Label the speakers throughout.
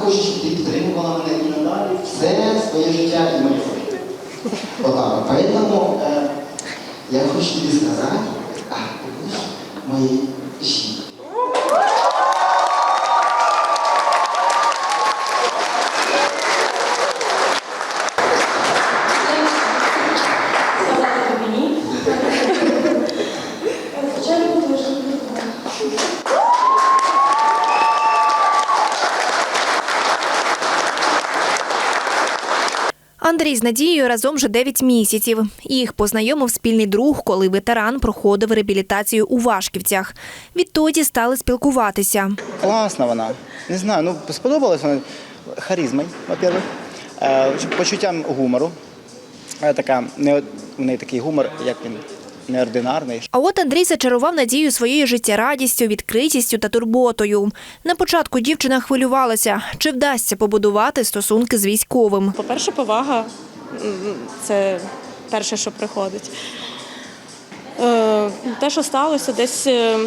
Speaker 1: хочу, щоб ти підтримувала мене і надалі все своє життя і моє життя. Отак. Поэтому я хочу тобі сказати, ти будеш моєю жінкою.
Speaker 2: Андрій з Надією разом вже 9 місяців. Їх познайомив спільний друг, коли ветеран проходив реабілітацію у Вашківцях. Відтоді стали спілкуватися.
Speaker 3: Класна вона. Не знаю, сподобалась вона харизмою, во-первых, почуттям гумору. У неї такий гумор, як він, неординарний.
Speaker 2: А от Андрій зачарував Надію своєю життєрадістю, відкритістю та турботою. На початку дівчина хвилювалася, чи вдасться побудувати стосунки з військовим.
Speaker 4: По-перше, повага – це перше, що приходить. Те, що сталося, десь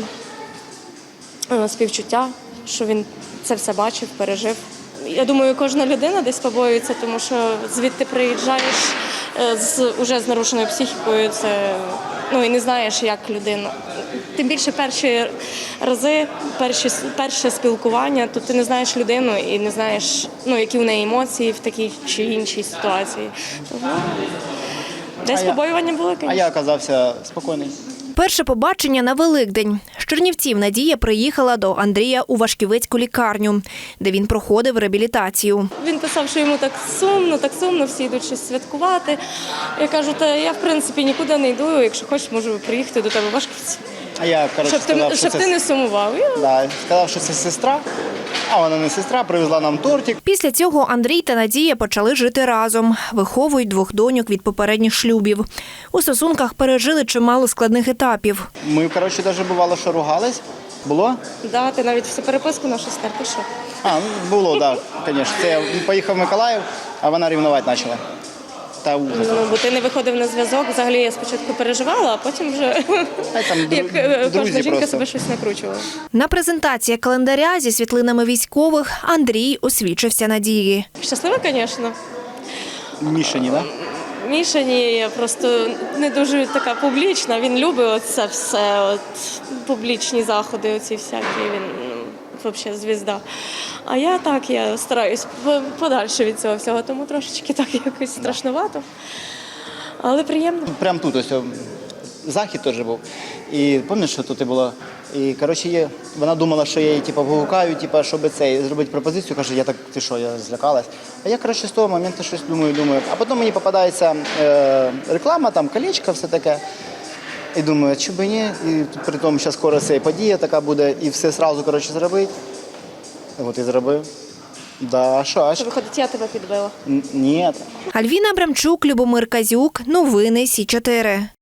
Speaker 4: співчуття, що він це все бачив, пережив. Я думаю, кожна людина десь побоюється, тому що звідти приїжджаєш уже з нарушеною психікою, і не знаєш, як людина. Тим більше перші рази, перше спілкування, то ти не знаєш людину і не знаєш, які в неї емоції в такій чи іншій ситуації. Тому десь побоювання було, звісно.
Speaker 3: А я оказався спокійний.
Speaker 2: Перше побачення на Великдень. З Чернівців Надія приїхала до Андрія у Вашківецьку лікарню, де він проходив реабілітацію.
Speaker 4: Він писав, що йому так сумно, всі йдуть щось святкувати. Я кажу, я в принципі нікуди не йду, якщо хочеш, можу приїхати до тебе в Вашківці.
Speaker 3: А я, сказав,
Speaker 4: щоб ти не сумував.
Speaker 3: Да, сказав, що це сестра, а вона не сестра, привезла нам тортик.
Speaker 2: Після цього Андрій та Надія почали жити разом. Виховують 2 доньок від попередніх шлюбів. У стосунках пережили чимало складних етапів.
Speaker 3: Ми, навіть бувало, що ругались. Було?
Speaker 4: Да, ти навіть всю переписку нашу стер пішов.
Speaker 3: Було, так, звісно. Це я поїхав в Миколаїв, а вона рівнувати почала. Та ужас.
Speaker 4: Бо ти не виходив на зв'язок. Взагалі я спочатку переживала, а потім вже, як кожна жінка, себе щось накручувала.
Speaker 2: На презентації календаря зі світлинами військових Андрій освічився Надії.
Speaker 4: Щаслива, звісно.
Speaker 3: Мішані, так?
Speaker 4: Мішані, я просто не дуже така публічна. Він любить це все, публічні заходи, оці всякі. Він взагалі звізда. А я стараюсь подальше від цього всього, тому трошечки так якось страшновато, але приємно.
Speaker 3: Прямо тут ось захід теж був. І пам'ятаєш, що тут було? І, вона думала, що я її вигукаю, щоб зробити пропозицію. Каже, ти що, я злякалась. А я, з того моменту щось думаю. А потім мені попадається реклама, там колечко, все таке. І думаю, чи б ні, і при тому, що скоро ця подія така буде, і все одразу, зробити. От і зробив. Да, що?
Speaker 4: Що виходить, я тебе підбила?
Speaker 3: Ні.
Speaker 2: Альвіна Абрамчук, Любомир Казюк. Новини Сі 4.